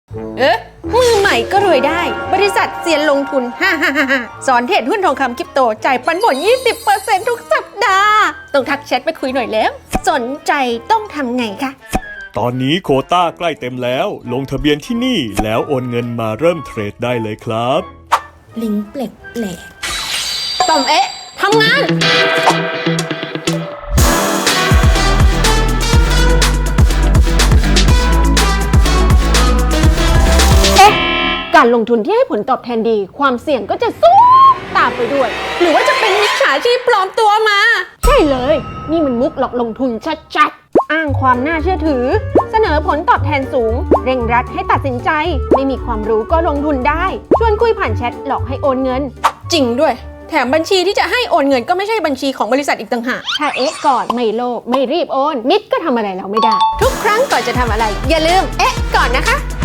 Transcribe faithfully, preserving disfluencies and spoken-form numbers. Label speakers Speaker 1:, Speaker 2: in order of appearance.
Speaker 1: เอ๊ะมือใหม่ก็รวยได้บริษัทเซียนลงทุนฮ่าฮ่าฮ่าสอนเทรดหุ้นทองคำคริปโตจ่ายปันผล ยี่สิบเปอร์เซ็นต์ ทุกสัปดาห์ต้องทักแชทไปคุยหน่อยแล้ว สนใจต้องทำไงคะ
Speaker 2: ตอนนี้โควต้าใกล้เต็มแล้วลงทะเบียนที่นี่แล้วโอนเงินมาเริ่มเทรดได้เลยครับ
Speaker 3: ลิงก์แปลกแปลก
Speaker 1: ต่อมเอ๊ะทำงานเอ๊ะการลงทุนที่ให้ผลตอบแทนดี ความเสี่ยงก็จะสูงตามไปด้วย หรือว่าจะเป็นมิจฉาชีพปลอมตัวมา ใช่เลย นี่มันมุกหลอกลงทุนชัดๆอ้างความน่าเชื่อถือ เสนอผลตอบแทนสูง เร่งรัดให้ตัดสินใจ ไม่มีความรู้ก็ลงทุนได้ ชวนคุยผ่านแชทหลอกให้โอนเงิน จริงด้วย แถมบัญชีที่จะให้โอนเงินก็ไม่ใช่บัญชีของบริษัทอีกต่างหากถ้าเอ๊ะก่อนไม่โลภไม่รีบโอนมิดก็ทำอะไรเราไม่ได้ ทุกครั้งก่อนจะทำอะไร อย่าลืมเอ๊ะก่อนนะคะ